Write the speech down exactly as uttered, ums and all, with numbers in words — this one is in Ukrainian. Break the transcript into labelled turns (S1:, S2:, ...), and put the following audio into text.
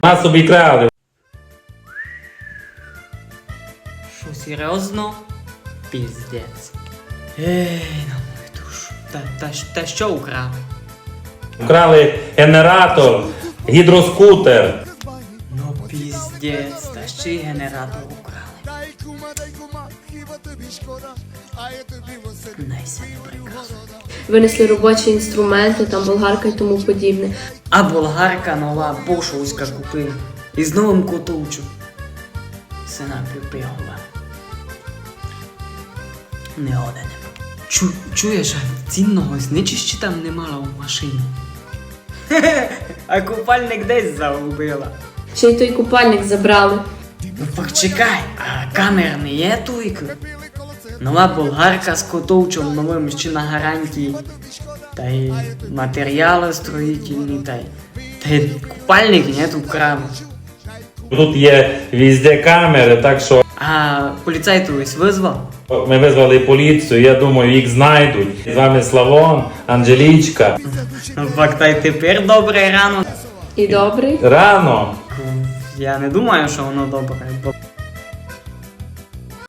S1: Нас обікрали.
S2: Що, серйозно? Піздець. Ей, на мою душу. Та, та, ж- та що украли?
S1: Вкрали генератор, гідроскутер.
S2: Ну піздець, та ще й генератор украли. Найся не приказує.
S3: Винесли робочі інструменти, там болгарка і тому подібне.
S2: А болгарка нова, бошовська купив. І з новим котовчу. Сина припігова. Не годен. Чу, чуєш, а цінного зничища там не мала у машині. А купальник десь загубила.
S3: Ще й той купальник забрали.
S2: Ну почекай, а камер не є туйку? Нова болгарка з котовчом новим ще на гарантії. Та й матеріали строїтельні, та й... Та й купальник нет украли.
S1: Тут є везде камери, так що
S2: А поліцай то ось визвав?
S1: ми визвали поліцію, я думаю, їх знайдуть. З вами Славон, Анжелічка.
S2: Ну факт, та й тепер добре рано.
S3: І добрий.
S1: Рано.
S2: Я не думаю, що воно добре, бо